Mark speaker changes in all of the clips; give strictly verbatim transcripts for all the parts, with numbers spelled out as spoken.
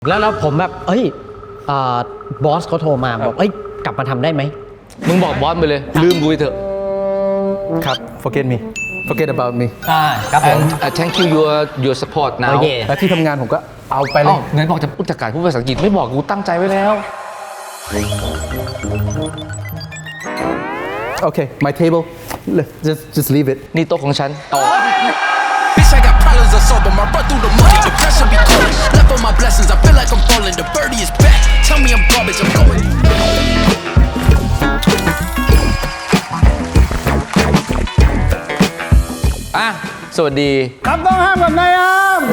Speaker 1: แล้วแล้วผมแบบเอ้ยบอสเขาโทรมาบอกเอ้ยกลับมาทำได้ไหม
Speaker 2: มึงบอกบอสไปเลยลืมกูไปเถอะ
Speaker 3: ครับ forget me forget about me
Speaker 1: อ่าครับผม
Speaker 2: thank you your your support now
Speaker 3: และที่ทำงานผมก็เอาไปเลย
Speaker 2: ไหนบอกจะพูดจัดการพูดภาษาอังกฤษไม่บอกกูตั้งใจไว้แล้ว
Speaker 3: โอเค my table just just leave it
Speaker 2: นี่โต๊ะของฉันต่อ
Speaker 4: Bitch, I got problems of soul, but my run through the money. Depression be calling. Left on my blessings, I feel like I'm falling. The birdie is back. Tell me I'm garbage, I'm going.
Speaker 2: อ่ะสวัสดี
Speaker 5: ครับต้องห้ามกับนายอาม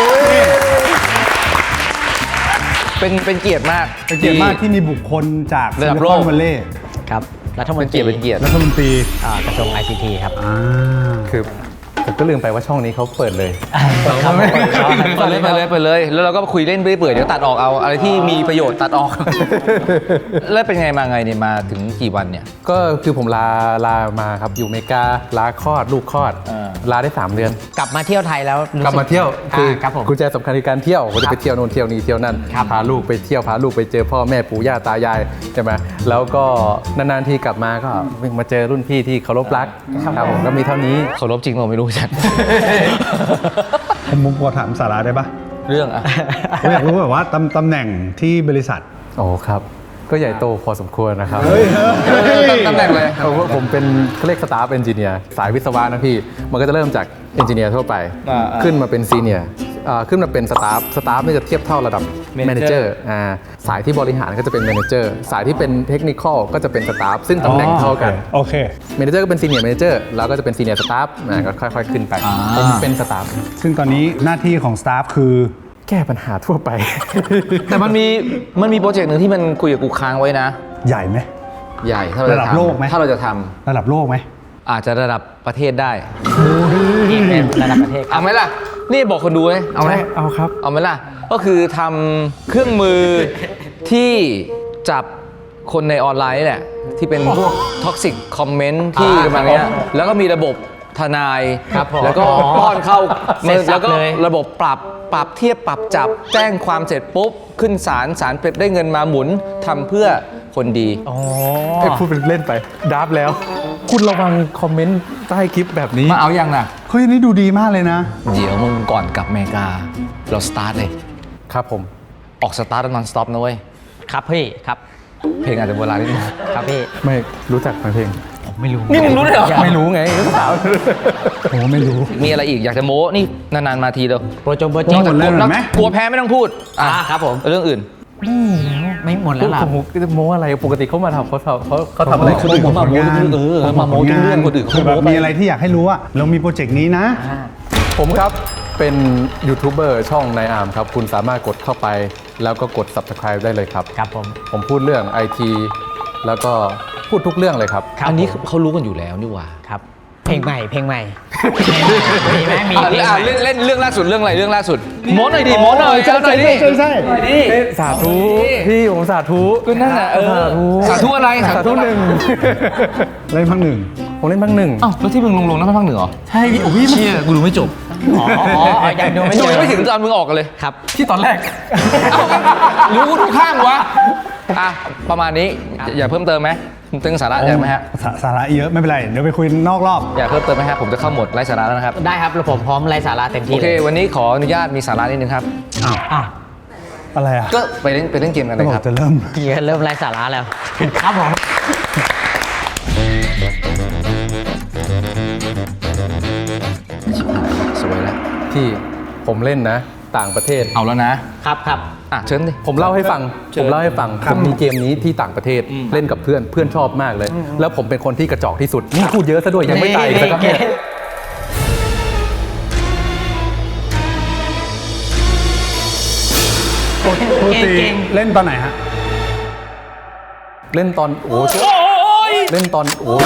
Speaker 2: เป็นเป็นเกียรติมาก
Speaker 5: เป็นเกียรติมากที่มีบุคคลจาก
Speaker 2: ระดับโลก
Speaker 5: วันเล่
Speaker 1: ครับรัฐมนตรี
Speaker 2: เป็นเกียรติ
Speaker 5: รัฐมนตรี
Speaker 1: กระทรวง ไอ ซี ที ครับ
Speaker 3: คือผมก็ลืมไปว่าช่องนี้เขาเปิดเลย
Speaker 2: ครับไปเลยไปเลยไปเลยแล้วเราก็คุยเล่นเปื่อยๆเดี๋ยวตัดออกเอาอะไรที่มีประโยชน์ตัดออกแล้วเป็นไงมาไงเนี่ยมาถึงกี่วันเนี่ย
Speaker 3: ก็คือผมลาลามาครับอยู่อเมริกาลาคลอดลูกคลอดลาได้สามเดือน
Speaker 1: กลับมาเที่ยวไทยแล้ว
Speaker 3: กลับมาเที่ยวคือกุญแจสำคัญในการเที่ยวก็จะไปเที่ยวโน่นเที่ยวนี่เที่ยวนั่นพาลูกไปเที่ยวพาลูกไปเจอพ่อแม่ปู่ย่าตายายใช่ไหมแล้วก็นานๆทีกลับมาก็มาเจอรุ่นพี่ที่เคารพรักครับผมก็มีเท่านี้
Speaker 2: เคารพจริงผมไม่รู้จัก
Speaker 5: ผมมุกพอถามสาระได้ปะ
Speaker 2: เรื่องอ่ะ
Speaker 5: ผมอยากรู้แบบว่าตำตำแหน่งที่บริษัท
Speaker 3: โอ้ครับก็ใหญ่โตพอสมควรนะครับ
Speaker 2: ตำแหน่งเลย
Speaker 3: ผมเป็นเขาเรียกสตาฟเอนจิเนียร์สายวิศวะนะพี่มันก็จะเริ่มจากเอนจิเนียร์ทั่วไปขึ้นมาเป็นซีเนียร์ขึ้นมาเป็นสตาฟสตาฟนี่จะเทียบเท่าระดับแมเนเจอร์สายที่บริหารก็จะเป็นแมเนเจอร์สายที่เป็นเทคนิคอลก็จะเป็นสตาฟซึ่งตำแหน่งเท่ากัน
Speaker 5: โอเค
Speaker 3: แมเนเจอร์ก็เป็นซีเนียร์แมเนเจอร์แล้วก็จะเป็นซีเนียร์สตาฟก็ค่อยๆขึ้นไปผมเป็นสตาฟ
Speaker 5: ซึ่งตอนนี้หน้าที่ของสตาฟคือ
Speaker 3: แก้ปัญหาทั่วไป
Speaker 2: แต่มันมีมันมีโปรเจกต์หนึ่งที่มันคุยกับกูค้างไว้นะ
Speaker 5: ใหญ่ไหม
Speaker 2: ใหญ่ถ้าเรา
Speaker 5: ระดับโลกไหม
Speaker 2: ถ้าเราจะท
Speaker 5: ำระดับโลกไหม
Speaker 2: อาจจะระดับประเทศได้
Speaker 1: ระดับประเทศ
Speaker 2: เอาไหมล่ะนี่บอกคนดูเลยเอาไหม
Speaker 3: เอาครับ
Speaker 2: เอาไหมล่ะก็คือทำเครื่องมือที่จับคนในออนไลน์นี่แหละที่เป็นพวกท็อกซิกคอมเมนต์ที่ประมาณนี้แล้วก็มีระบบทนายแล้วก็ป้อนเข้าแล้วก็ระบบปรับปรับเทียบปรับจับแจ้งความเสร็จปุ๊บขึ้นศาลศาลได้เงินมาหมุนทำเพื่อคนดี
Speaker 3: อ๋อไอ้พูดเป็นเล่นไปดับแล้วคุณระวังคอมเมนต์ใต้คลิปแบบนี้
Speaker 2: มาเอาอย่างน่ะ
Speaker 5: เฮ้ยนี่ดูดีมากเลยนะ
Speaker 2: เดี๋ยวมึงก่อนกลับอเมริกาเราสตาร์ทเลย
Speaker 3: ครับผม
Speaker 2: ออกสตาร์ทนอนสต็อปนะเว้ย
Speaker 1: ครับพี่ครับ
Speaker 2: เพลงอาจจะโบราณนิดนึง
Speaker 1: ครับพี่
Speaker 3: ไม่รู้จักเพลง
Speaker 1: ผมไม่รู้
Speaker 2: นี่มึงรู้เลยเหรอ
Speaker 3: ไม่รู้ไงก็ถาม
Speaker 5: ผมไม่รู้
Speaker 2: มีอะไรอีกอยากจะโม้นี่นานๆมาทีเดียว
Speaker 1: โปรโจโปรเจกต์
Speaker 5: หมดเลยไหม
Speaker 2: กลัวแพ้ไม่ต้องพูด
Speaker 1: อ่าครับผม
Speaker 2: เรื่องอื่น
Speaker 1: ไม่หมดแล้วล่ะ
Speaker 3: ผมจะโม้อะไรปกติเขามาทำเขาเขาเขาทำอะไร
Speaker 5: คนอื่น
Speaker 2: มาโม้เออมาโม้เรื่องคนอื่นเขาโม้
Speaker 5: มีอะไรที่อยากให้รู้ว่าเรามีโปรเจกต์นี้นะ
Speaker 3: ผมครับเป็นยูทูบเบอร์ช่องนายอาร์มครับคุณสามารถกดเข้าไปแล้วก็กด ซับสไครบ์ ได้เลยครับ
Speaker 1: ครับผม
Speaker 3: ผมพูดเรื่อง ไอ ที แล้วก็พูดทุกเรื่องเลยครับ
Speaker 2: อันนี้เขารู้กันอยู่แล้วนี่หว่า
Speaker 1: ครับเพลงใหม่เพลงใหม่มีไหมมี
Speaker 2: เล่นเล่นเรื่องล่าสุดเรื่องอะไรเรื่องล่าสุดโม้หน่อยดิโม้หน่อย
Speaker 5: ใช่ใช่ใช่ใช่
Speaker 3: สาธุพี่ผมสาธุ
Speaker 2: ก็นั่นแหละเออสาธุอะไร
Speaker 3: สาธุหนึ่ง
Speaker 5: เล่นพังหนึ่ง
Speaker 3: ผมเล่นพังหนึ่ง
Speaker 2: อ้าวแล้วที่มึงลงลงนั่นพังหนึ่งเหรอ
Speaker 1: ใช่พี่โอ้
Speaker 2: ยเชี่ยกูดูไม่จบ
Speaker 1: อ๋อยังดูไม่
Speaker 2: จบไม่ถึงตอนมึงออกกันเลย
Speaker 1: ครับ
Speaker 2: ที่ตอนแรกรู้ทุกข้างวะอ่ะประมาณนี้อย่าเพิ่มเติมไหมตึงสาระเยอะไหมฮะ
Speaker 5: สาระเยอะไม่เป็นไรเดี๋ยวไปคุยนอกรอบ
Speaker 2: อยากเพิ่มเติมไหมฮะผมจะเข้าหมดไร้สาระแล้วนะครับ
Speaker 1: ได้ครับแล้วผมพร้อมไร้สาระเต็มที่
Speaker 2: โอเควันนี้ขออนุญาตมีสาระนิดนึงครับ
Speaker 5: อ้าวอ้าวอะไรอ่ะ
Speaker 2: ก็ไปเล่นไปเล่นเกมกันเลยครับ
Speaker 5: จะเริ่ม
Speaker 1: เริ่มไร้สาระแล้วครับผม
Speaker 2: สวยแล้ว
Speaker 3: ที่ผมเล่นนะต่างประเทศ
Speaker 2: เอาแล้วนะครับครับอ่ะเชิญดิ
Speaker 3: ผมเล่าให้ฟังผมเล่าให้ฟังผมมีเกมนี้ที่ต่างประเทศเล่นกับเพื่อนเพื่อนชอบมากเลยแล้วผมเป็นคนที่กระจอกที่สุดนี่พูดเยอะซะด้วยยังไม่ตายเลยครับเนี่ย
Speaker 5: ปกติเล่นตอนไหนฮะ
Speaker 3: เล่นตอนโอ้เล่นตอนโอ้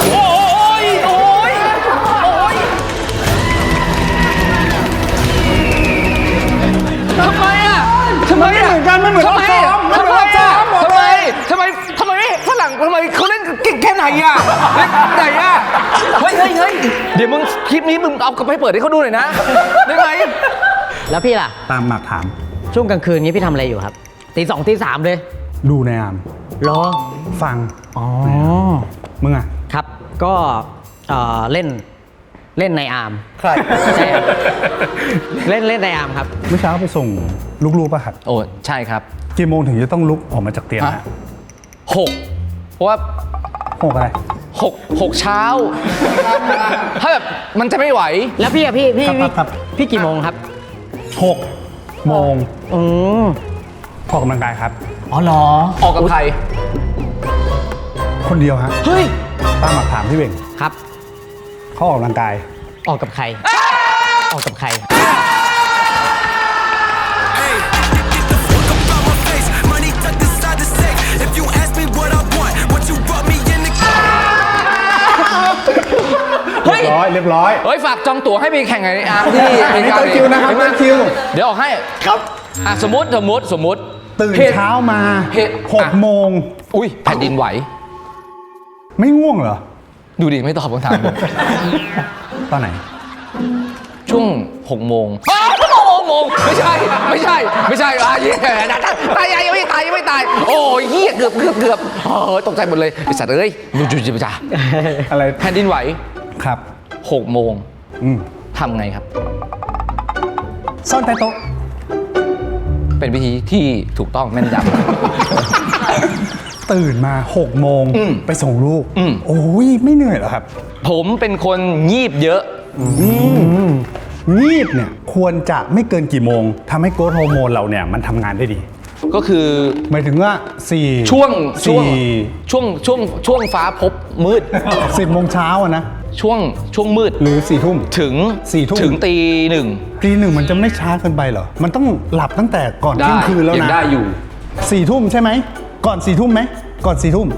Speaker 2: ทำไมอ่ะทำไม
Speaker 5: เหมือนกันไม่เหมือน
Speaker 2: ทำไมทำไมทำไมทำไมทำไมฝรั่งทำไมเขาเล่นเก่งแค่ไหนอ่ะเล่นไหนอ่ะเฮ้ยเฮ้ยเฮ้ยเดี๋ยวมึงคลิปนี้มึงเอากลับไปเปิดให้เขาดูหน่อยนะได้ไหม
Speaker 1: แล้วพี่ล่ะ
Speaker 5: ตามหมากถาม
Speaker 1: ช่วงกลางคืนนี้พี่ทำอะไรอยู่ครับตีสองตีสามเลย
Speaker 5: ดูในอาร์ม
Speaker 1: รอ
Speaker 5: ฟัง
Speaker 1: อ๋อ
Speaker 5: มึงอ่ะ
Speaker 1: ครับก็เอ่อเล่นเล่นในอาร์ม
Speaker 2: ใคร
Speaker 1: ใช่ครับเล่นเล่นในอาร์มครับ
Speaker 5: เมื่อเช้าไปส่งลูกๆป่ะครับ
Speaker 2: โอ้ใช่ครับ
Speaker 5: กี่โมงถึงจะต้องลุกออกมาจากเตียง
Speaker 2: ฮะ
Speaker 5: ฮะ
Speaker 2: หกเพราะว่า
Speaker 5: หกอะไร
Speaker 2: หกหกเช้า ถ้าแบบมันจะไม่ไหว
Speaker 1: แล้วพี่อะพี่พี่
Speaker 5: ครับครับ
Speaker 1: พี่กี่โมงครับ
Speaker 5: หกโมง
Speaker 1: อืม
Speaker 5: ออกกำลังกายครับ
Speaker 1: อ๋อเหรอ
Speaker 2: ออกกับใคร
Speaker 5: คนเดียวฮะ
Speaker 2: เฮ้ย
Speaker 5: ตามหลักถามพี่เบ่ง
Speaker 1: ครับ
Speaker 5: เขาออกกำลังกาย
Speaker 1: ออกกับใคร ออกกับใคร
Speaker 4: Money tucked inside the safe. If you ask me what I want, what you brought me in the
Speaker 2: เฮ้ย
Speaker 5: เรียบร้อยเรียบร้อย
Speaker 2: เฮ้ย ฝากจองตั๋วให้ไปแข่งไอ้อาร์มที่
Speaker 5: อันนี้ต้นคิวนะครับต้นคิว
Speaker 2: เดี๋ยวออกให้
Speaker 5: ครับ
Speaker 2: อ่ะสมมติสมมติสมมติ
Speaker 5: ตื่น
Speaker 2: เหตุ
Speaker 5: เช้ามา
Speaker 2: เหตุ
Speaker 5: หก
Speaker 2: อ่ะ
Speaker 5: โมง
Speaker 2: อุ้ยแผ่นดินไหว
Speaker 5: ไม่ง่วงเหรอ
Speaker 2: ดูดิ ไม่ตอบคำถามผม
Speaker 5: ตอนไหน
Speaker 2: ช่วงหกโมงอ้าวหกโมงไม่ใช่ ไม่ใช่ ไม่ใช่อ่ะเหี้ยตายยังไม่ตายยังไม่ตาย โอ้ยเหี้ยเกือบเกือบเกือบเออตกใจหมดเลยไอ้สัตว์เอ้ยดูจุจิบจ้า
Speaker 5: อะไร
Speaker 2: แผ่นดินไหว
Speaker 5: ครับ
Speaker 2: หกโมง
Speaker 5: อืม
Speaker 2: ทำไงครับ
Speaker 5: ซ่อนใต้โต๊ะ
Speaker 2: เป็นวิธีที่ถูกต้องแม่นย
Speaker 5: ตื่นมาหกโมง
Speaker 2: อืม
Speaker 5: ไปส่งลูก
Speaker 2: อืม
Speaker 5: โอ้ยไม่เหนื่อยเหรอครับ
Speaker 2: ำผมเป็นคนงีบเยอะ
Speaker 5: งีบเนี่ยควรจะไม่เกินกี่โมงทำให้โกรทฮอร์โมนเราเนี่ยมันทำงานได้ดี
Speaker 2: ก็คือ
Speaker 5: หมายถึงว่าสี่
Speaker 2: ช่วงช่วง
Speaker 5: สี่
Speaker 2: ช่วงช่วงช่วงฟ้าพบมืด
Speaker 5: สิบโมงเช้าอะนะ
Speaker 2: ช่วงช่วงมืด
Speaker 5: หรือสี่ทุ่ม
Speaker 2: ถึง
Speaker 5: สี่ทุ่ม
Speaker 2: ถึงตีหนึ่ง
Speaker 5: ตีหนึ่งมันจะไม่ช้าเกินไปเหรอ มันต้องหลับตั้งแต่ก่อนเที่ยงคืนแล้ว
Speaker 2: ยัง
Speaker 5: นะ
Speaker 2: ได้อยู่
Speaker 5: สี่ทุ่มใช่ไหม ก่อนสี่ทุ่มไหม ก่อนสี่ทุ่ม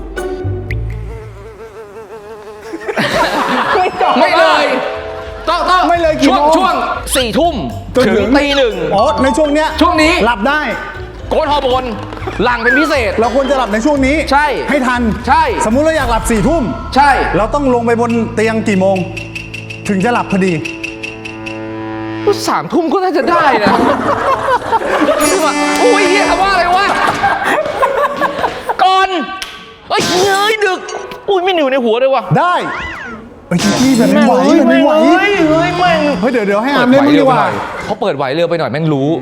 Speaker 2: ไม่เลยต้องต้อง
Speaker 5: ไม่เลยกี่
Speaker 2: ช่วง
Speaker 5: โมง
Speaker 2: ช่วงสี่ทุ่ม
Speaker 5: จน
Speaker 2: ถึ
Speaker 5: ถึ
Speaker 2: ง
Speaker 5: ง
Speaker 2: ตีหนึ่ง
Speaker 5: อ๋อในช่วงเนี้ย
Speaker 2: ช่วงนี้
Speaker 5: หลับได้
Speaker 2: โกนฮอร์โมนหลังเป็นพิเศษ
Speaker 5: เราควรจะหลับในช่วงนี้
Speaker 2: ใช่
Speaker 5: ให้ทัน
Speaker 2: ใช่
Speaker 5: สมมุติเราอยากหลับสี่ทุ่ม
Speaker 2: ใช่
Speaker 5: เราต้องลงไปบนเตียงกี่โมง ถึงจะหลับพอดี
Speaker 2: สามทุ่มก็น่าจะได้นะคือแบบโอ้ยเฮียคำว่าอะไรวะก่อนเอ้ยเฮ้ยดึกอุ้ยไม่หนิวในหัวเลยว่ะ
Speaker 5: ได้เอ้ยจี้แบบไม่ไหวแบบไม่ไหว
Speaker 2: เฮ้ยเฮ้ยแม่ง
Speaker 5: เฮ้ยเดี๋ยวเดี๋ยวให้อาร์มเล่นมึงดีกว่า
Speaker 2: เขาเปิดไหวเร็วไปหน่อยแม่งรู้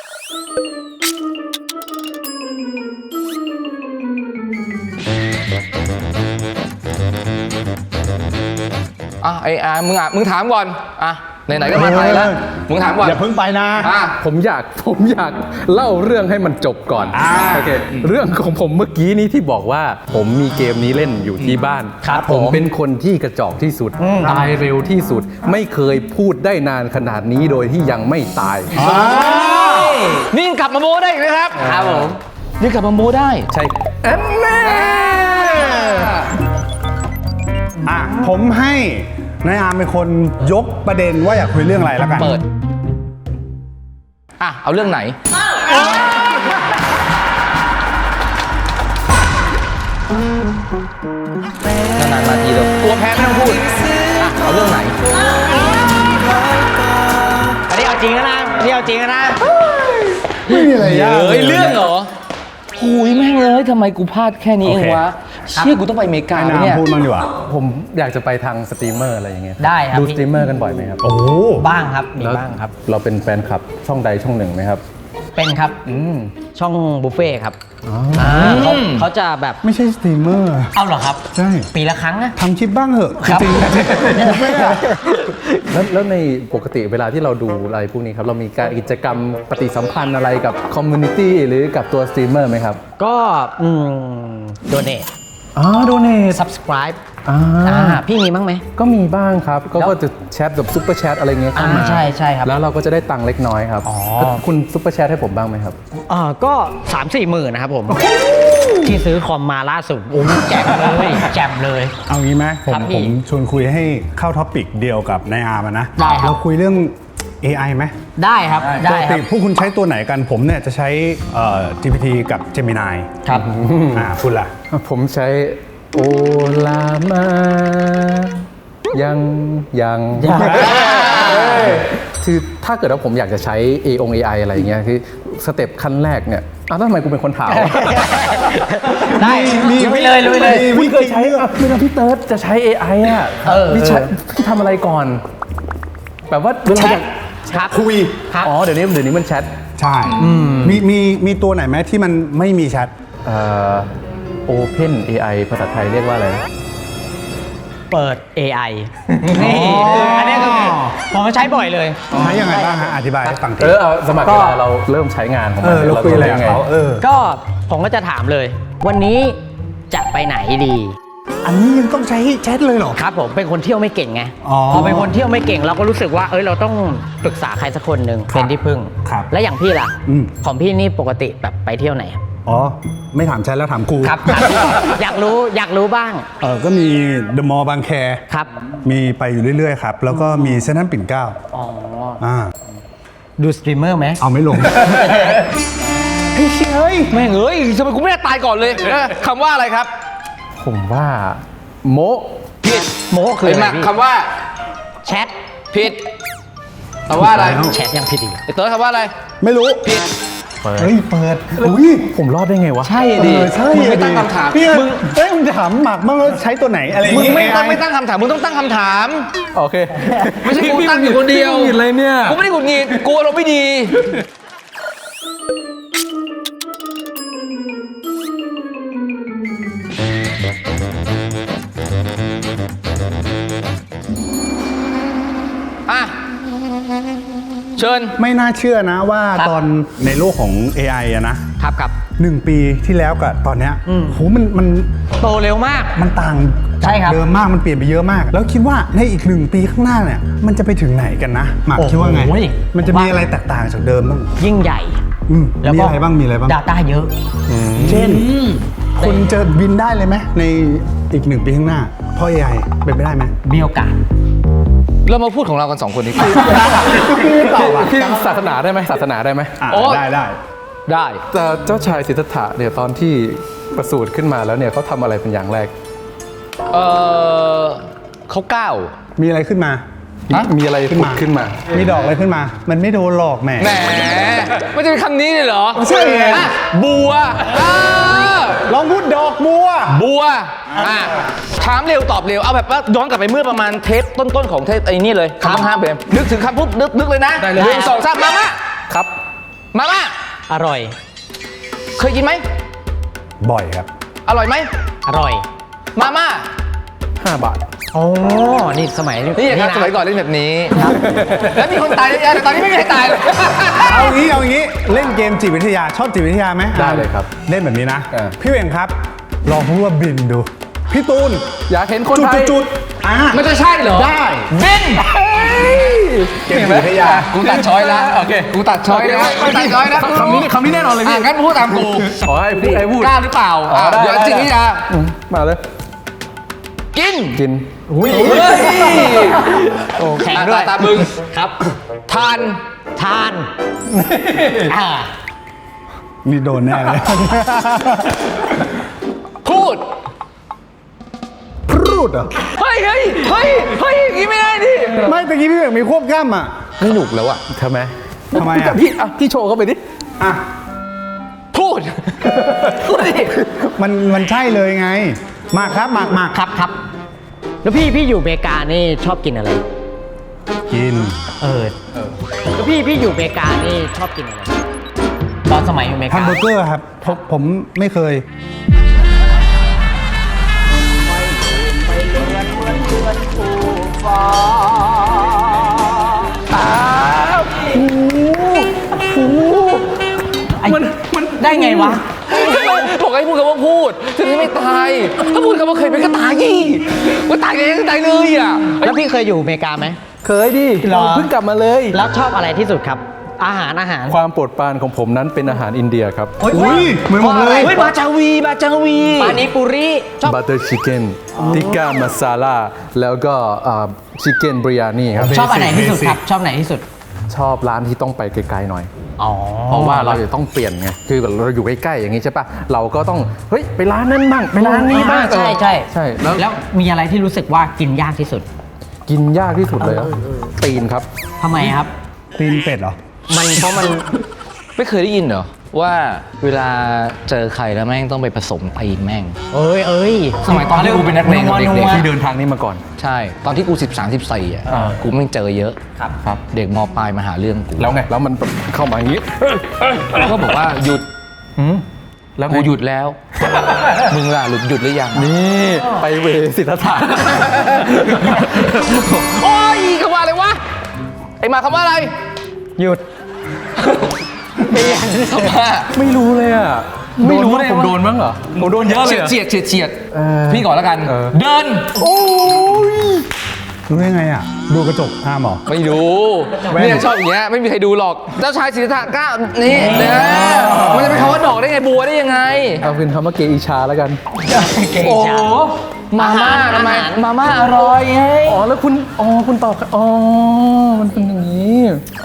Speaker 2: อ่ะไอ้อามึงอ่ะมึงถามก่อนอ่ะไหนๆก็มาไทยแล้วมึงถามก่อน
Speaker 5: อย่าเพิ่งไปนะ
Speaker 2: อ่ะ
Speaker 3: ผมอยากผมอยากเล่าเรื่องให้มันจบก่อนโอเคเรื่องของผมเมื่อกี้นี้ที่บอกว่าผมมีเกมนี้เล่นอยู่ที่บ้าน
Speaker 1: ครับ
Speaker 3: ผม
Speaker 1: ผม
Speaker 3: เป็นคนที่กระจอกที่สุด ตายเร็วที่สุด ไม่เคยพูดได้นานขนาดนี้โดยที่ยังไม่ตาย
Speaker 2: นี่ยังกลับมาโมได้อีกนะครับ
Speaker 1: ครับผม
Speaker 2: นี่กลับมาโมได้
Speaker 3: ใช่แอนแน่
Speaker 5: อ่ะผมให้นายอาร์มเป็นคนยกประเด็นว่าอยากคุยเรื่องอะไรแล้วกัน
Speaker 2: เปิด อ่ะ เอาเรื่องไหน นานๆมาทีเดียวกลัวแพ้ไม่ต้องพูด อ่ะ เอาเรื่องไหน
Speaker 1: อันนี้เอาจริงแล้วนะอันนี้เอาจริงแล้วนะ
Speaker 5: ไม่มีอะไรยาก
Speaker 2: เฮ้ย เรื่องเหรอหุยแม่งเลยทำไมกูพลาดแค่นี้เองวะ เชี่ยกูต้องไปอเมริกา
Speaker 5: ให้
Speaker 2: ไหม
Speaker 5: นาย
Speaker 2: เนี่ย
Speaker 5: อาร์มพูดบ้างดีกว่า
Speaker 3: ผมอยากจะไปทางสตรีมเมอร์อะไรอย่างเงี้ย
Speaker 1: ได้ครับ
Speaker 3: ดู
Speaker 1: พี่
Speaker 3: สตรีมเมอร์กันบ่อยไหมครับ
Speaker 5: โอ้โห
Speaker 1: บ้างครับ มี
Speaker 3: แล้ว
Speaker 1: บ้างครับ
Speaker 3: เราเป็นแฟนคลับช่องใดช่องหนึ่งไหมครับ
Speaker 1: เป็นครับ
Speaker 3: อืม
Speaker 1: ช่องบุฟเฟ่ต์ครับอ่าเขาเขาจะแบบ
Speaker 5: ไม่ใช่สตรีมเมอร์
Speaker 1: เอาเหรอครับ
Speaker 5: ใช่
Speaker 1: ปีละครั้งนะ
Speaker 5: ทำคลิปบ้างเหอะ
Speaker 1: ครับ
Speaker 5: จริงๆ
Speaker 3: แล้วแล้วในปกติเวลาที่เราดูอะไรพวกนี้ครับ เรามีการกิจกรรมปฏิสัมพันธ์อะไรกับคอมมูนิตี้หรือกับตัวสตรีมเมอร์ไหมครับ
Speaker 1: ก็อืมโดเนท
Speaker 3: อ๋อโดเนท
Speaker 1: subscribe
Speaker 3: อ่า
Speaker 1: อ่าพี่มีบ้างไหม
Speaker 3: ก็มีบ้างครับ ก็
Speaker 1: แล้ว
Speaker 3: ก็จะแชทแบบซุปเปอร์แชทอะไรเงี้ยเข้ามา
Speaker 1: อ่าใช่ใช่ครับ
Speaker 3: แล้วเราก็จะได้ตังค์เล็กน้อยครับ
Speaker 1: อ๋อ
Speaker 3: คุณซุปเปอร์แชทให้ผมบ้างไหมครับ
Speaker 1: อ่าก็สามสี่หมื่นนะครับผม ที่ซื้อคอมมาล่าสุดโอ้ยแจ่มเลยแจ่มเลย
Speaker 5: เอางี้ไหมผม
Speaker 1: ครับพี่
Speaker 5: ผมชวนคุยให้เข้าท็อปิกเดียวกับนายอาร์มอะนะ
Speaker 1: ได้ครับ
Speaker 5: เราคุยเรื่อง เอ ไอ ไหม
Speaker 1: ได้ครับ
Speaker 5: ป
Speaker 1: ได้
Speaker 5: ก
Speaker 1: ครั
Speaker 5: ติ
Speaker 1: บ
Speaker 5: พวกคุณใช้ตัวไหนกันผมเนี่ยจะใช้เอ่อ จี พี ที กับ Gemini
Speaker 1: ครับ
Speaker 5: อ่าคุณล่ะ
Speaker 3: ผมใช้โอลามา ยังยัง
Speaker 1: ยัง
Speaker 3: คือถ้าเกิดว่าผมอยากจะใช้ เอ อง เอ ไอ อะไรอย่างเงี้ยคือสเต็ปขั้นแรกเนี่ยอ้าวแล้วทำไมกูเป็นคนถาม
Speaker 1: ได้ลุยเลยลุยเลย
Speaker 3: พี่เคยใช้อ่ะเวลาพี่เติร์ดจะใช้ เอ ไอ อ่ะ
Speaker 1: เออ
Speaker 3: พี่ใช้พี่ทำอะไรก่อน แบบว่าเวลาอยาก
Speaker 1: ครับ
Speaker 5: คุย
Speaker 1: ครับ
Speaker 3: อ๋อเดี๋ยวนี้เดี๋ยวนี้มันแชท
Speaker 5: ใช่มีมีมีตัวไหนไหมที่มันไม่มีแชท
Speaker 3: เอ่อ Open เอ ไอ ภาษาไทยเรียกว่าอะไรนะ
Speaker 1: เปิด เอ ไอ นี่อันนี้คือผมใช้บ่อยเลย
Speaker 5: ใช้ยังไงบ้างฮะอธิบายให้ฟังที
Speaker 3: เออเอาสมัครเวลาเราเริ่มใช้งานของ
Speaker 5: เอ
Speaker 3: มัน
Speaker 5: อเราคุยอะไรกับเขาเออ
Speaker 1: ก็ผมก็จะถามเลย วันนี้จะไปไหนดี
Speaker 5: อันนี้ยังต้องใช้แชทเลยเหรอ
Speaker 1: ครับผมเป็นคนเที่ยวไม่เก่งไง
Speaker 5: อ๋อ
Speaker 1: พอเป็นคนเที่ยวไม่เก่งเราก็รู้สึกว่าเอ้ยเราต้องปรึกษาใครสักคนหนึ่งเป็นที่พึ่ง
Speaker 5: ครับ
Speaker 1: และอย่างพี่ล่ะ
Speaker 5: อืม
Speaker 1: ของพี่นี่ปกติแบบไปเที่ยวไหน
Speaker 5: อ๋อ ไม่ถามแชทแล้วถามกู
Speaker 1: ครับครับ อยากรู้อยากรู้บ้าง
Speaker 5: เออก็มีเดอะมอลล์บางแค
Speaker 1: ครับ
Speaker 5: มีไปอยู่เรื่อยๆครับ แล้วก็มีเซนทรัลปิ่นเกล้า
Speaker 1: อ๋อ
Speaker 5: อ่า
Speaker 1: ดูสตรีมเมอร์ไหม
Speaker 5: เอาไม่ลง
Speaker 2: เฮ้ยแม่งเอ้ยทำไมกูไม่ได้ตายก่อนเลยเออคำว่าอะไรครับ
Speaker 3: ผมว่าโม
Speaker 2: ผิด
Speaker 1: โมคือ
Speaker 2: เห็น
Speaker 1: อะ
Speaker 2: ไหม
Speaker 1: ไรพี่
Speaker 2: คำว่า
Speaker 1: แชท
Speaker 2: ผิดคำว่าอะไร
Speaker 5: แล้ว
Speaker 1: แชทยังผิดอีก
Speaker 2: ไอ้เติร์ดคำว่าอะไร
Speaker 5: ไม่รู้
Speaker 2: ผิด
Speaker 3: เปิด
Speaker 5: เฮ้ย เปิด อุ้ย
Speaker 3: ผมรอดได้ไงวะ
Speaker 2: ใช่
Speaker 5: เอ
Speaker 2: ดิ
Speaker 5: อใช่
Speaker 2: มึงไม่ตั้งคำถาม
Speaker 5: พี่
Speaker 2: มึง
Speaker 5: เฮ้ยมึงถามหมากบ้างว่าใช้ตัวไหนอะไรอย่าง
Speaker 2: มึง
Speaker 5: งี้
Speaker 2: ไม่ตั้ง
Speaker 5: เอ
Speaker 2: ไม่ตั้งคำถามมึงต้องตั้งคำถาม
Speaker 3: โอเค
Speaker 2: ไม่ใช่กูตั้งอยู่คนเดียว
Speaker 3: ผิดเลยเนี่ย
Speaker 2: กูไม่ได้หงุดหงิดกูอารมณ์ไม่ดีอ่ะเชิญ
Speaker 5: ไม่น่าเชื่อนะว่า
Speaker 1: ครับ
Speaker 5: ตอนในโลกของ เอ ไอ อะนะ
Speaker 1: ครับครับ
Speaker 5: หนึ่งปีที่แล้วกับตอนเนี้ย
Speaker 1: อืม
Speaker 5: โหมันมัน
Speaker 1: โตเร็วมาก
Speaker 5: มันต่าง
Speaker 1: ใช่ครับ
Speaker 5: เดิมมากมันเปลี่ยนไปเยอะมาก แล้วคิดว่าในอีกหนึ่งปีข้างหน้าเนี่ยมันจะไปถึงไหนกันนะหมาก
Speaker 1: โอ้โห
Speaker 5: คิดว่าไง มันจะมี
Speaker 1: ผมว่า
Speaker 5: อะไรแตกต่างจากเดิมบ้าง
Speaker 1: ยิ่งใหญ่
Speaker 5: อืม
Speaker 1: แล้ว
Speaker 5: มี
Speaker 1: ก็
Speaker 5: อะไรบ้างมีอะไรบ้าง
Speaker 1: Data เยอะ
Speaker 5: เช่นคนจะบินได้เลยไหมในอีกหนึ่งปีข้างหน้าเพราะ เอ ไอ เป็นไปได้ไหม
Speaker 1: มีโอกาส
Speaker 2: เรามาพูดของเรากันสองคนดีกว่า
Speaker 5: พี่ตอบอ่ะ
Speaker 3: พี่ศาสนาได้ไหมศาสนาได้ไหม
Speaker 5: อ่ะ
Speaker 2: โอ้
Speaker 5: ได้ได้
Speaker 2: ได้
Speaker 3: แต่เจ้าชายสิทธัตถะเนี่ยตอนที่ประสูติขึ้นมาแล้วเนี่ยเขาทำอะไรเป็นอย่างแรก
Speaker 2: เออเขาก้าว
Speaker 5: มีอะไรขึ้นมา
Speaker 2: ฮะ
Speaker 3: มีอะไร
Speaker 5: ขึ้น
Speaker 3: ผุ
Speaker 5: มา
Speaker 3: ดขึ้นมา
Speaker 5: มีดอกอะไรขึ้นมา มันไม่โดนหลอกแหม
Speaker 2: แหมไม่จะเป็นคำนี้เลยเหรอ
Speaker 5: ใช่ไง
Speaker 2: อ่ะบัวอ่า
Speaker 5: ลองพูดดอกบัว
Speaker 2: บัวอ่ะถามเร็วตอบเร็ว เอาแบบว่าย้อนกลับไปเมื่อประมาณเทปต้นๆของเทปไอ้นี่เลยคำต้องห้ามเปมนึกถึงคำปุ๊บนึกนึกเลยนะ
Speaker 3: ได้เลย
Speaker 2: หนึ่งสองสามมาม่า
Speaker 3: ครับ
Speaker 2: มาม่า
Speaker 1: อร่อย
Speaker 2: เคยกินไหม
Speaker 5: บ่อยครับ
Speaker 2: อร่อยไหม
Speaker 1: อร่อย
Speaker 2: มาม่า
Speaker 3: ห้าบาท
Speaker 1: โอ้นี่สมัย
Speaker 2: นี่ครับ
Speaker 1: ะ
Speaker 2: สมัยก่อนเล่นแบบนี้ แล้วมีคนตายเยอะแยะแต่ตอนนี้ไม่มีใครตายเลย
Speaker 5: เอางี้เอางี้เล่นเกมจิตวิทยาชอบจิตวิทยาไหม
Speaker 3: ได้เลยครับ
Speaker 5: เล่นแบบนี้นะ
Speaker 3: เออ
Speaker 5: พี่เวงครับ ลองพูดว่าบินดู พี่ตูน
Speaker 3: อยากเห็นคน
Speaker 5: จุด
Speaker 3: ไทย
Speaker 5: จุดอ่ะ
Speaker 2: มันจะใช่เหรอ
Speaker 5: ได้
Speaker 2: บิน
Speaker 5: เกมจิตวิทยา
Speaker 2: กูตัดช้อยแล้วโอเคกูตัดช้อยแล้วกูตัดช้อยแล้ว
Speaker 3: คำนี้คำนี้แน่นอนเลย
Speaker 2: อ่ะ
Speaker 3: พี่
Speaker 2: งั้นพูดตามกู
Speaker 3: ขอให้พูดให้พูด
Speaker 2: กล้าหรือเปล่า
Speaker 3: อ๋อได้
Speaker 2: เดี๋ยว
Speaker 3: ได้
Speaker 2: จริงนี่นะ
Speaker 3: อืมมาเลย
Speaker 2: กิน
Speaker 3: กิน
Speaker 2: เฮ้ย
Speaker 1: โอ้แข็งด้วย
Speaker 2: ตาบึง
Speaker 1: ครับ
Speaker 2: ทาน
Speaker 1: ทานอ่า
Speaker 5: นี่โดนแน่เลย
Speaker 2: พูด
Speaker 5: พูดเหรอ
Speaker 2: เฮ้ยเฮ้ยเฮ้ยเฮ้ยอย่างงี้ไม่ได้ดิ
Speaker 5: ไม่ตะกี้พี่เวงมีควบกล้ามอ่ะ
Speaker 2: ไม่หนุกแล้วอะ
Speaker 3: ทำไม
Speaker 5: ทำไมอ่ะ
Speaker 3: พี่อ่ะพี่โชว์เข้าไปดิ
Speaker 5: อ่ะ
Speaker 2: พูด พูดดิ
Speaker 5: มันมันใช่เลยไงหมากครับหมากหมาก
Speaker 1: ครับครับ แล้วพี่พี่อยู่อเมริกานี่ชอบกินอะไร
Speaker 5: กิน
Speaker 1: เออแล้วพี่พี่อยู่อเมริกานี่ชอบกินอะไร ตอนสมัยอยู่อเมริ
Speaker 5: แฮ
Speaker 1: กา
Speaker 5: มเบอร์เกอร์ครับผมผมไม่เคย
Speaker 1: มันมันได้ไงวะ
Speaker 2: บอกให้พูดคำว่าพูด ถึงจะไม่ตาย ถ้าพูดคำว่าเคยเป็นก็ตายยี่ว่าตายเลยก็ตายเลยอ่ะ
Speaker 1: แล้วพี่เคยอยู่อเมริกาไหม
Speaker 3: เคยดิ
Speaker 1: เหรอ
Speaker 3: เพิ่งกลับมาเลย
Speaker 1: แล้วชอบอะไรที่สุดครับ อาหารอาหาร
Speaker 3: ความโปรดปรานของผมนั้นเป็นอาหารอินเดียครับ
Speaker 5: อุ้ยเหมือนผมเลย
Speaker 2: เฮ้ยบาจาวีบาจาวี
Speaker 1: ปานิปุริชอบ
Speaker 3: บัตเตอร์ชิคเก้นติก้ามาซาลาแล้วก็ชิคเก้นบริยานี่ครับ
Speaker 1: ชอบอันไหนที่สุด
Speaker 5: basic
Speaker 1: ครับ ชอบไหนที่สุด
Speaker 3: ชอบร้านที่ต้องไปไกลๆหน่อย
Speaker 1: อ๋อ
Speaker 3: เพราะว่าเราจะต้องเปลี่ยนไง คือแบบเราอยู่ใกล้ๆอย่างนี้ใช่ปะเราก็ต้อง เฮ้ย ไปร้านนั้นบ้าง ไปร้านนี้บ้าง
Speaker 1: ใช่ใช่
Speaker 3: ใช่แล้ว
Speaker 1: แล้วมีอะไรที่รู้สึกว่ากินยากที่สุด
Speaker 3: กินยากที่สุดเลยอะตีนครับ
Speaker 1: ทำไมครับ
Speaker 5: ตีนเป็ดเหรอ
Speaker 1: มันเพราะมัน
Speaker 2: ไม่เคยได้ยินเหรอว่าเวลาเจอใครแล้วแม่งต้องไปผสมตีนแม่ง
Speaker 1: เอ้ยเอ้ย
Speaker 2: สมัยตอนที่กูเป็นนักเลงกับเด็ก
Speaker 1: นัว
Speaker 3: ที่เดินทางนี้มาก่อน
Speaker 2: ๆใช่ ตอนที่กูสิบสามสิบสี่อ่ะ
Speaker 3: อ่า
Speaker 2: กูไม่งเจอเยอะ
Speaker 1: ครับ
Speaker 3: ครับ
Speaker 2: เด็กมปลายมาหาเรื่องกู
Speaker 3: แล้วไง แล้วมันเข้ามาอย่างนี้
Speaker 2: แล้วก็บอกว่าหยุด
Speaker 3: อืมแล้วไง
Speaker 2: กูหยุดแล้ว มึงล่ะหลุดหยุดหรือยัง
Speaker 3: นี่ไปเวสิทธศาสตร์
Speaker 2: โอ้ยคำว่าอะไรวะ ไอ้มาคำว่าอะไร
Speaker 1: หยุด
Speaker 2: คำว่า
Speaker 3: ไม่รู้เลยอ่ะ
Speaker 2: ไม่รู้
Speaker 3: โดน
Speaker 2: เลย
Speaker 3: ผม
Speaker 2: ว่า
Speaker 3: โดนมั้งเหรอ ผมโดนเยอะเลย
Speaker 2: เฉียดเฉียดเฉียด
Speaker 3: เออ
Speaker 2: พี่ก่อนแล้วกัน
Speaker 3: เออ
Speaker 2: เดิน
Speaker 5: รู้ได้ไงอ่ะ ดูกระจกห้ามเหรอ
Speaker 2: ไม่ดู
Speaker 5: แว่น
Speaker 2: เนี่ยชอบอย่างเงี้ยไม่มีใครดูหรอก เจ้าชายสิทธัตถะก้าวนี่นะมันจะเป็นคำว่าดอกได้ไงบัวได้ยังไง
Speaker 3: เอาเป็นคำว่าเกอิชาแล้วกัน
Speaker 2: โอ้โหมาม่าทำไมมาม่าอร่อยไง
Speaker 3: อ๋อ แล้วคุณ อ๋อ คุณตอบค่ะอ๋อ มันเป็นอย่างนี้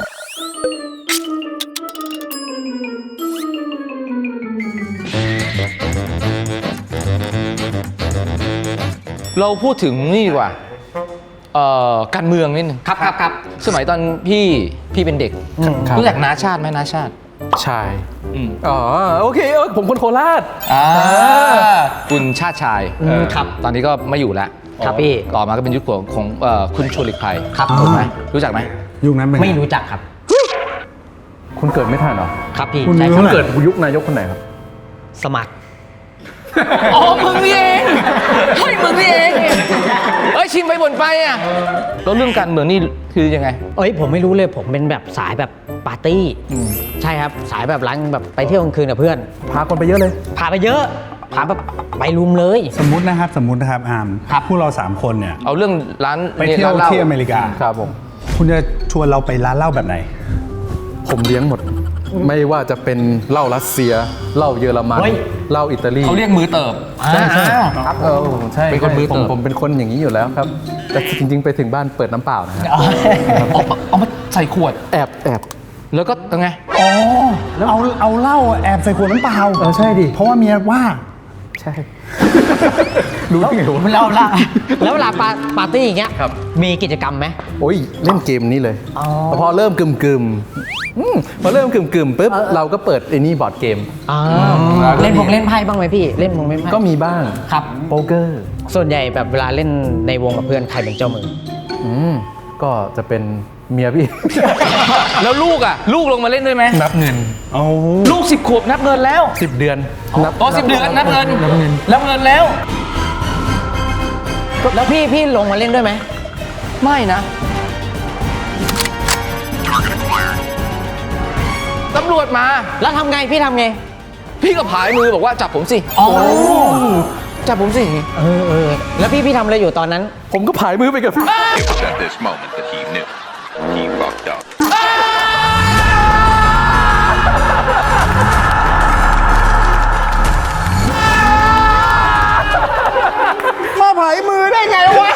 Speaker 2: เราพูดถึงนี่ดีกว่าเอ่อการเมืองนิดนึงครับครับครับสมัยตอนพี่พี่เป็นเด็ก
Speaker 3: ครับ
Speaker 2: รู้จักน้าชาติไหมน้าชาติ
Speaker 3: ใช่
Speaker 2: อืม
Speaker 3: อ๋อ โอเคเออผมคนโคราช
Speaker 2: อ่าคุณชาติชาย
Speaker 1: อืมครับ
Speaker 2: ตอนนี้ก็ไม่อยู่แล้ว
Speaker 1: ครับพี่
Speaker 2: ต่อมาก็เป็นยุคของของเอ่อคุณชวนหลีกภัย
Speaker 1: ครับ
Speaker 2: ถูกไหมรู้จักไหม
Speaker 5: ยุคนั้นเป็นง
Speaker 1: ไม่รู้จักครับ
Speaker 3: คุณเกิดไม่ทันเหรอ
Speaker 1: ครับพี่
Speaker 5: คุณ
Speaker 1: ใช่
Speaker 5: รู้
Speaker 1: ค
Speaker 3: คุ
Speaker 1: รับ
Speaker 3: ณเกิดยุคนายกคนไหนครับ
Speaker 1: สมัคร
Speaker 2: อ๋อมึงนี่เองเฮ้ยมึงนี่เองเอ้ยชิมไปบ่นไปอ่ะแล้วเรื่องการเมืองนี่คือยังไง
Speaker 1: เอ้ยผมไม่รู้เลยผมเป็นแบบสายแบบปาร์ตี้ใช่ครับสายแบบร้านแบบไปเที่ยวกลางคืนกับเพื่อน
Speaker 3: พาคนไปเยอะเลย
Speaker 1: พาไปเยอะพาแบบไปรุมเลย
Speaker 5: สมมตินะครับ สมมตินะครับอาร์ม
Speaker 1: ครับ
Speaker 5: พวกเราสามคนเนี่ย
Speaker 2: เอาเรื่องร้าน
Speaker 5: ไปเที่ยว
Speaker 2: ร้านหล้า
Speaker 5: ที่อเมริกา
Speaker 3: ครับผม
Speaker 5: คุณจะชวนเราไปร้านเหล้าแบบไหน
Speaker 3: ผมเลี้ยงหมด ไม่ว่าจะเป็นเหล้ารัสเซีย เหล้าเยอรมัน
Speaker 1: เฮ้ย
Speaker 3: เหล้าอิตาลี
Speaker 2: เขาเรียกมือเติบ
Speaker 1: ใช่ใช่
Speaker 3: ครับเออใช่
Speaker 2: เป็นคนมือ
Speaker 3: ผม
Speaker 2: เติบ
Speaker 3: ผมเป็นคนอย่างนี้อยู่แล้วครับ แต่จริง ๆ ไปถึงบ้านเปิดน้ำเปล่านะฮะ
Speaker 2: เอาเอามาใส่ขวด
Speaker 3: แอบแอบ
Speaker 2: แล้วก็ยังไง
Speaker 5: อ๋อ แล้วเอาเอาเหล้าแอบใส่ขวดน้ำเปล่า
Speaker 3: เออใช่ดิ
Speaker 5: เพราะว่าเมียว่า
Speaker 3: ใช่ รู้ได้ไงวะ
Speaker 1: แล้วเวลาแล้วเวลาปาปาร์ตี้อย่างเงี้ย
Speaker 3: ครับ
Speaker 1: มีกิจกรรมไหม
Speaker 3: โอ้ยเล่นเกมนี้เลย
Speaker 1: อ๋อ
Speaker 3: พอเริ่มกึมกึมๆอืมพอเริ่มกึมกึมๆปุ๊บเราก็เปิดไอ้นี่บอร์ดเกม
Speaker 1: อ่า
Speaker 3: แล้วก็
Speaker 1: เล่นพง
Speaker 3: มี
Speaker 1: เล่นไพ่บ้างไหมพี่เล่นพงเล่นไพ่
Speaker 3: ก็มีบ้าง
Speaker 1: ครับ
Speaker 3: โป๊กเกอร์
Speaker 1: ส่วนใหญ่แบบเวลาเล่นในวงกับเพื่อนใครเป็นเจ้ามือ
Speaker 3: อืมก็จะเป็นเมียพี่
Speaker 2: แล้วลูกอ่ะ ลูกลงมาเล่นด้วยไหม
Speaker 3: นับเงิน
Speaker 5: เอา
Speaker 2: ลูกสิบขวบนับเงินแล้ว
Speaker 3: สิบเดือนนับ
Speaker 2: อ๋อสิบเดือนนับเงิน
Speaker 3: นับเงิน
Speaker 2: นับเงินแล้ว
Speaker 1: แล้วพี่พี่ลงมาเล่นด้วยไหม
Speaker 2: ไม่นะตำรวจมา
Speaker 1: แล้วทำไงพี่ทำไง
Speaker 2: พี่ก็ผายมือบอกว่าจับผมสิ
Speaker 1: อ๋อ
Speaker 2: จับผมสิ
Speaker 1: เออเออแล้วพี่พี่ทำอะไรอยู่ตอนนั้น
Speaker 3: ผมก็ผายมือไปกับ
Speaker 6: It was at this moment that he knew he fucked up.
Speaker 5: มาผายมือได้ไงวะ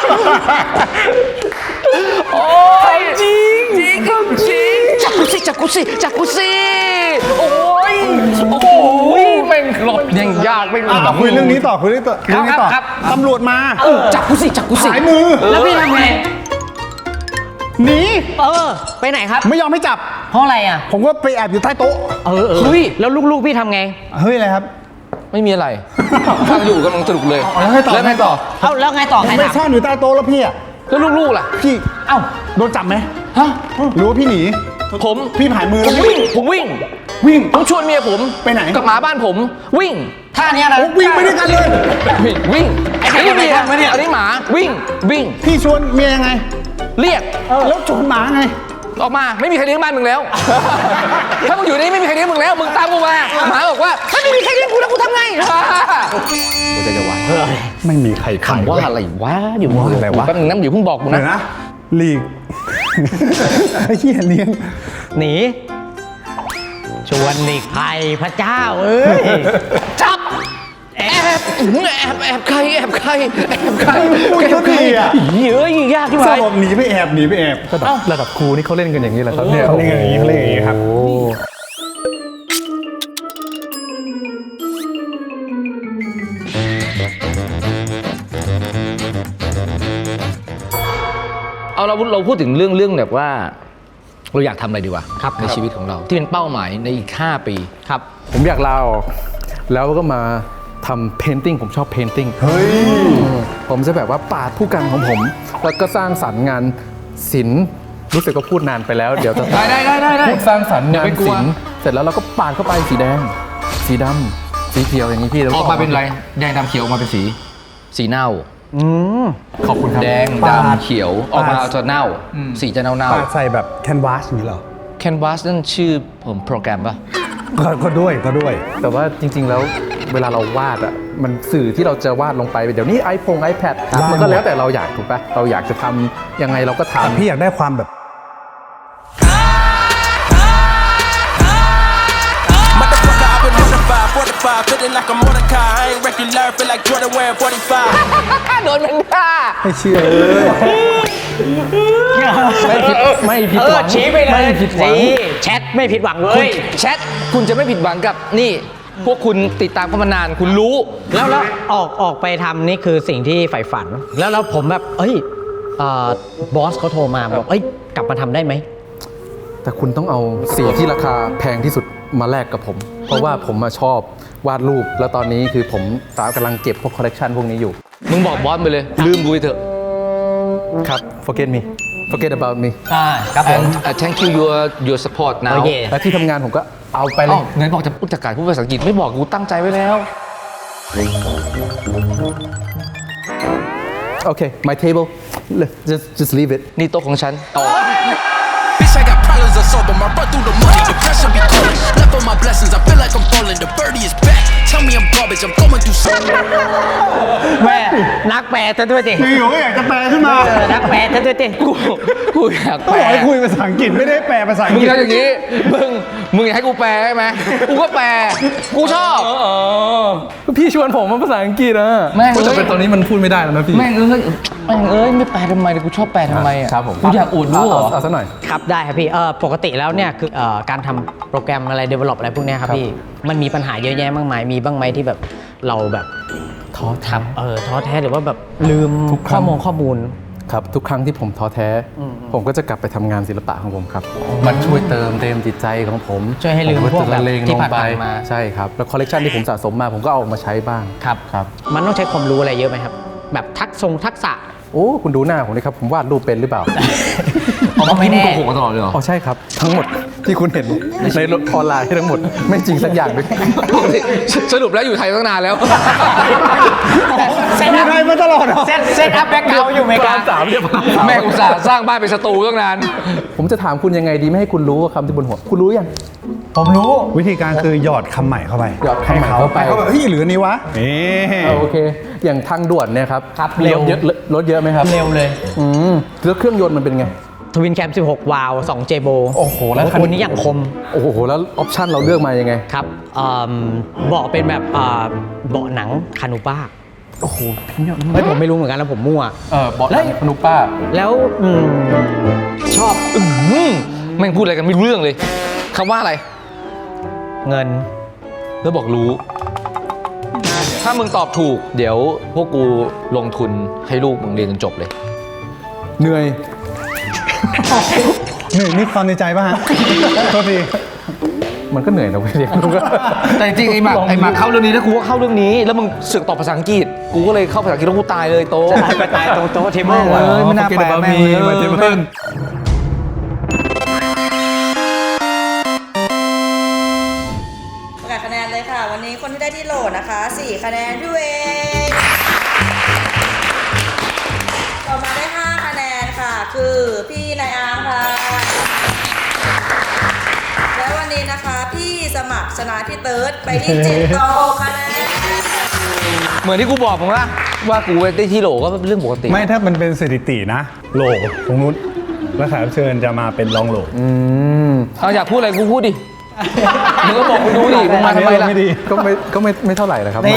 Speaker 2: โอ้ยจริงจริงจริงจับกูสิจับกูสิจับกูสิโอ้ยโอ้ยแม่งหลบยังยากไม่
Speaker 5: อ่ะคุยเรื่องนี้ต่อคุยเรื่องต่อเรื่องนี้ต่อ
Speaker 2: ครับ
Speaker 5: ตำรวจมา
Speaker 2: จับกูสิจับกูสิ
Speaker 5: ผายมือ
Speaker 1: แล้วพี่ทำไง
Speaker 5: หนี
Speaker 1: เออ ไปไหนครับ
Speaker 5: ไม่ยอมให้จับ
Speaker 1: เพราะอะไรอ่ะ
Speaker 5: ผมก็ไปแอบอยู่ใต้โต๊ะ
Speaker 1: เออเออ
Speaker 2: เฮ้ย
Speaker 1: แล้วลูกๆพี่ทำไง
Speaker 5: เฮ้ยอะไรครับ
Speaker 2: ไม่มีอะไรฟังอยู่กำลังสนุกเลย
Speaker 5: แล้วไงต่อ
Speaker 2: แล้วไงต่อ
Speaker 1: เอ้าแล้วไงต่อ
Speaker 5: ผ
Speaker 1: ใคร
Speaker 5: มไป
Speaker 1: ถาม
Speaker 5: ซ่อนอยู่ใต้โต๊ะแล้วพี่อ่ะ
Speaker 2: แล้วลูกๆล่ะ
Speaker 5: พี่
Speaker 1: เอ้า
Speaker 5: โดนจับไหม
Speaker 2: ฮะ
Speaker 5: หรือว่าพี่หนี
Speaker 2: ผม
Speaker 5: พี่ผายมือ
Speaker 2: ผ
Speaker 5: แล้ว
Speaker 2: ม
Speaker 5: พี่
Speaker 2: วิ่งผมวิ่ง
Speaker 5: วิ่ง
Speaker 2: ผมชวนเมียผม
Speaker 5: ไปไหน
Speaker 2: กับหมาบ้านผมวิ่ง
Speaker 1: ท่าเนี้ยนะ
Speaker 5: โอ้วิ่งไปด้วยกันเลย
Speaker 2: วิ่งวิ่ง
Speaker 1: ไอ้ใคร
Speaker 2: อันนี้เมีย
Speaker 1: ทำไมเนี่ย
Speaker 2: อันนี้หมาวิ่งวิ่ง
Speaker 5: พี่ชวนเมียยังไง
Speaker 2: เรียก
Speaker 5: แล้วชวนหมาไง
Speaker 2: ออกมาไม่มีใครเลี้ยงบ้านมึงแล้ว ถ้ามึงอยู่นี่ไม่มีใครเลี้ยงมึงแล้ว มึงตามกูมาหมาบอกว่าถ้าไม่มีใครเลี้ยงกูแล้วกูทำไงกูจะจะไหว
Speaker 5: ไม่มีใครขาย
Speaker 2: คำว่าอะไรวะเดี๋ยว
Speaker 5: ว่าอะไรวะ
Speaker 2: แป๊บนึงนะเดี๋ยวเพิ่งบอกกู
Speaker 5: เดี๋ยว
Speaker 2: นะ
Speaker 5: นะหลีก ไอ้เหี้ยเลี้ยง
Speaker 1: หนี ชวนหนีภัยพระเจ้าเอ้ย
Speaker 2: จับแอบแอบแอบใครแอบใครแอบใคร
Speaker 5: พูด
Speaker 2: แอ
Speaker 5: ก็
Speaker 2: บใคร
Speaker 5: ดีอ่ะ
Speaker 1: เยอะยิ่งยากที่
Speaker 5: ช
Speaker 1: ไห
Speaker 5: อน บบอกหนีไปแอบหนีไปแอบ
Speaker 3: ระดับระดับครูนี่เขาเล่นกันอย่างนี้เหรอครับเนี่ย
Speaker 5: เขาเล่นกันอย่างนี้เขาเล่นกันอย่างนี้ครับ
Speaker 3: โอ้
Speaker 2: เอาเราเราพูดถึงเรื่องเรื่องแบบว่าเราอยากทำอะไรดีวะ
Speaker 1: ครับ
Speaker 2: ในชีวิตของเราที่เป็นเป้าหมายในอีก ห้า ปี
Speaker 1: ครับ
Speaker 3: ผมอยากลาออกแล้วก็มาทำเพนติ้งผมชอบเพนติ้งเฮ้ยผมจะแบบว่าปาดผู้กันของผม แล้วก็สร้างสรรค์งานศิลป์รู้สึกก็พูดนานไปแล้ว เดี๋ยวจะ
Speaker 2: ได้ได้ได้ได้ได้
Speaker 3: พูดสร้างสรรค์งาน
Speaker 2: อย่าไปกลัว
Speaker 3: ศิลป์เสร็จแล้วเราก็ปาดเข้าไปสีแดง สีดำสีเขียวอย่างนี้พี่แล้ว
Speaker 2: ออกมาเป็นอะไรแดงดำเขียวออกมาเป็นสี สีเน่า
Speaker 1: อืม
Speaker 3: ขอบคุณครับ
Speaker 2: แดง
Speaker 5: ปาด
Speaker 2: ดำเขียวออกมาจะเน่า สีจะเน่าเน่า
Speaker 5: ปาดใส่แบบแคนวาสอย่างนี้เหรอ
Speaker 2: แคนวาสนั่นชื่อผมโปรแกรมป่ะ
Speaker 5: ก็ก็ด้วยก็ด้วย
Speaker 3: แต่ว่าจริง ๆ แล้วเวลาเราวาดอ่ะมันสื่อที่เราจะวาดลงไปเดี๋ยวนี้ iPhone iPad มันก็แล้วแต่เราอยากถูกปะเราอยากจะทำยังไงเราก็
Speaker 5: แต่
Speaker 3: ทำ
Speaker 5: พี่อยากได้ความแบบ
Speaker 4: Motherfucker, I've been mortified, fortified, feeling like I'm Mordecai. I ain't regular, feel like Jordan wearing forty-five.
Speaker 2: โดนมันฆ่า
Speaker 5: ไม่เชื่อ
Speaker 3: ไม่ผิดไม่ผิด
Speaker 1: เอ
Speaker 3: ห
Speaker 1: อ
Speaker 3: วัง
Speaker 1: ชี้ไปเลย
Speaker 3: ไม่ผิดหวัง
Speaker 1: นี่แชทไม่ผิดหวังเล
Speaker 2: คุณ
Speaker 1: ย
Speaker 2: แชทคุณจะไม่ผิดหวังกับนี่ พวกคุณติดตามกันมานานคุณรู้
Speaker 1: แล้วแล้วออกออกไปทำนี่คือสิ่งที่ใฝ่ฝัน แล้วแล้วผมแบบ เอ้ยเอ่อบอสเขาโทรมาบอกเอ้ยกลับมาทำได้ไหม
Speaker 3: แต่คุณต้องเอาสีที่ราคาแพงที่สุดมาแลกกับผม เพราะว่าผมมาชอบวาดรูป แล้วตอนนี้คือผมตากำลังเก็บพวกคอลเลกชันพวกนี้อยู่
Speaker 2: มึงบอกบอสไปเลย ลืมกูไปเถอะ
Speaker 3: ครับ forget me forget about me
Speaker 1: อ่าครับผม
Speaker 2: and uh, thank you your your support now
Speaker 1: โอเค
Speaker 3: และที่ทำงานผมก็เอาไปเล
Speaker 2: อ้าวย ไหนบอกจะพูดจากการพูดภาษาอังกฤษไม่บอกกูตั้งใจไว้แล้ว
Speaker 3: โอเค my table just just leave it
Speaker 2: นี่โต๊ะของฉันต่อ
Speaker 4: Bitch, I got problems of soul, but my run through the money. Depression be calling. Left on my blessings, I feel like I'm falling. The birdie is back. Tell me I'm garbage, I'm going through something.
Speaker 1: แม่นักแปลซะด้วยดิ
Speaker 5: อยู่ๆก็อยากจะแปลขึ้นมา
Speaker 1: เออนักแปลซะด้วยดิ
Speaker 2: กูกูอยาก
Speaker 5: ก็
Speaker 2: แป
Speaker 5: บ
Speaker 2: ล
Speaker 5: อกให้คุยภาษาอังกฤษไม่ได้แปลภาษาอัง
Speaker 2: มึง
Speaker 5: กฤษ
Speaker 2: ทำอย่างนี้ มึง มึงอยากให้กูแปลใช่ไหมกูก็แปล กูชอบ
Speaker 3: พี่ชวนผมมาภาษาอังกฤษนะ
Speaker 2: แม่ง
Speaker 3: แต่เป็นตอนนี้มันพูดไม่ได้แล้วนะพี่
Speaker 2: แม่งเอ้ยแม่งเอ้ยไม่แปลทำไมเลยกูชอบแปลทำไมอ่ะ
Speaker 3: ครับผม
Speaker 2: กูอยากอวดรู้เหรอ
Speaker 3: เอาซะหน่อย
Speaker 1: ครับได้ครับพี่เออปกติแล้วเนี่ยคือเอ่อการทำโปรแกรมอะไร develop อะไรพวกเนี้ยครับ
Speaker 3: ครับ
Speaker 1: พี่มันมีปัญหาเยอะแยะมากมายมีบ้างไหมที่แบบเราแบบ
Speaker 3: ท้อแท้
Speaker 1: เออท้อแท้หรือว่าแบบลืม
Speaker 3: ทุกครั้
Speaker 1: ข้อง มูลข้อมูล
Speaker 3: ครับทุกครั้งที่ผมท้อแท้ ผมก็จะกลับไปทำงานศิลปะของผมครับ มันช่วยเติมเต็มจิตใจของผม
Speaker 1: ช่วยให้ลืม
Speaker 3: ผ
Speaker 1: พวกแบบ
Speaker 3: จะละเลง
Speaker 1: ที่
Speaker 3: ลง
Speaker 1: ผ่าน
Speaker 3: ไป
Speaker 1: ๆมา
Speaker 3: ใช่ครับ แล้วคอลเลกชันที่ผมสะสมมาผมก็เอาออกมาใช้บ้าง
Speaker 1: ครับ
Speaker 3: ครับ
Speaker 1: มันต้องใช้ความรู้อะไรเยอะไหมครับ แบบทักษงทักษะ
Speaker 3: โอ้คุณดูหน้าผมเลยครับ ผมวาดรูปเป็นหรือเปล่า
Speaker 2: เอามาไม่แน่โกหกมาตลอดเลยเหรอ
Speaker 3: อ๋อใช่ครับ ทั้งหมดที่คุณเห็นในโลกออนไลน์ทั้งหมด ไม่จริงสักอย่างเลย
Speaker 2: สรุปแล้วอยู่ไทยตั้งนานแล้ว
Speaker 1: เซตอัพมาตลอดเซตเซตอัพแบ็คเกาอยู่อเมริกา
Speaker 3: สามเรียบ
Speaker 2: แม่งอุตส่าห์สร้างบ้านเป็นสตูตั้งนาน
Speaker 3: ผมจะถามคุณยังไงดีไม่ให้คุณรู้ว่าคำที่บนหัว คุณรู้ยัง
Speaker 5: ผมรู้วิธีการคือหยอดคำใหม่เข้าไป
Speaker 3: หยอดคำใหม่เข้าไป
Speaker 5: ให้เขาแบบเฮ้ยหรืออันนี้วะนี่
Speaker 3: เอาโอเค อย่างทางด่วนเนี่ยครับ
Speaker 1: ครับเร็ว
Speaker 3: ถเยอะรถเยอะไหมครับ
Speaker 1: เร็วเลย
Speaker 3: อืมแล้วเครื่องยนต์มันเป็นไง
Speaker 1: ทวินแคมสิบหกวาล์วสองเจโบ
Speaker 3: โอ้โหแล้วคัน
Speaker 1: ตัวนี้อย่างคม
Speaker 3: โอ้โห แล้วออปชั่นเราเลือกมายังไง
Speaker 1: ครับเอิ่มเบาะเป็นแบบเอ่อเบาะหนังคานูป้า
Speaker 3: โอ้โหพรีเมียม
Speaker 1: เฮ้ยผมไม่รู้เหมือนกันแล้วผมมั่ว
Speaker 3: เออเบาะหนังพนุป้า
Speaker 1: แล้วอืมชอบ
Speaker 2: อืมแม่งพูดอะไรกันไม่รู้เรื่องเลยคำว่าอะไร
Speaker 1: เงิน
Speaker 2: แล้วบอกรู้ ถ้ามึงตอบถูก เดี๋ยวพวกกูลงทุนให้ลูกมึงเรียนจนจบเลย
Speaker 3: เหนื่อย
Speaker 5: หนึ่งนี่ความในใจป่ะฮะโทษที
Speaker 3: มันก็เหนื่อยนะเว้ยเรียนรู้ก็
Speaker 2: แต่จริงๆไอ้หมากไอ้หมากเข้าเรื่องนี้นะกูก็เข้าเรื่องนี้ แล้วมึงเสือกตอบภาษาอังกฤษ กูก็เลยเข้าภาษาอังกฤษแล้วกูตายเลยโต
Speaker 1: ไปตายตรงโต๊ะเทเบิล
Speaker 2: เออไม่น่าแปลแม่งเลย
Speaker 3: มาเทเบิล
Speaker 7: ประกาศคะแนนเลยค่ะ วันนี้คนที่ได้ที่โหลนะคะสี่คะแนนพี่เวงต่อมาได้ห้าคะแนนค่ะ คือพี่นายอาร์มค่ะ และวันนี้นะคะพี่สมัครชนะพี่เติร์ดไปที่เจ็ดต่อหกคะแนน
Speaker 2: เหมือนที่กูบอกมึงละว่ากูได้ที่โหลก็เป็นเรื่องปกติ
Speaker 5: ไม่ถ้ามันเป็นสถิตินะ โหลของนุชแล้วแขกรับเชิญจะมาเป็นรองโหล
Speaker 3: อืม
Speaker 2: เอาอยากพูดอะไรกูพูดดิ มึงก็บอกกูดูดิมึงมาทำไมล่ะ
Speaker 5: ไม่ดี
Speaker 3: ก็ไม่ก็ไม่ไม่เท่าไหร่นะครับ
Speaker 1: นี่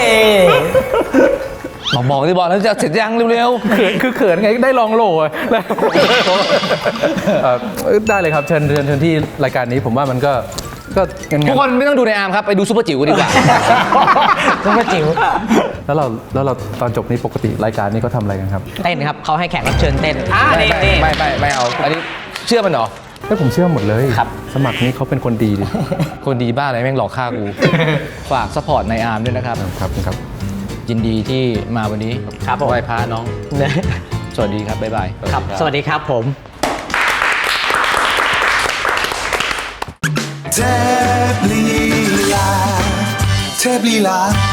Speaker 2: บอกบอกที่บอกแล้วจะเสร็จยังเร็ว
Speaker 3: เขินคือเขินไงได้ลองโหลอะเอ่อได้เลยครับเชิญเชิญเชิญที่รายการนี้ผมว่ามันก็ก็งาน
Speaker 2: ๆทุกคนไม่ต้องดูในอาร์มครับ ไปดูซูเปอร์จิ๋วกันดีกว่า
Speaker 1: ซุปเปอร์จิ๋ว
Speaker 3: แล้วเราแล้วเราตอนจบนี้ปกติรายการนี้เขาทำอะไรกันครับ
Speaker 1: เต้นครับเขาให้แขกรับเชิญเต้นอ่า
Speaker 2: ไม่
Speaker 1: นี่
Speaker 2: ไม่
Speaker 1: นี่
Speaker 2: ไม่ไม่ไม่เอา อันนี้เชื่อมันเหรอ
Speaker 3: แล้วผมเชื่อหมดเลย
Speaker 1: ครับ
Speaker 3: สมัครนี้เขาเป็นคนดีดิ
Speaker 2: คนดีบ้าอะไรแม่งหลอกฆ่ากู ฝากสปอร์ตในอาร์มด้วยนะครับ
Speaker 3: ครับครับ
Speaker 2: ยินดีที่มาวันนี้
Speaker 1: ครับผม
Speaker 2: ไหว้พระน้อง สวัสดีครับ บ๊ายบาย
Speaker 1: ครับ สวัสดีครับผม
Speaker 8: เทพลีลาเทพลีลา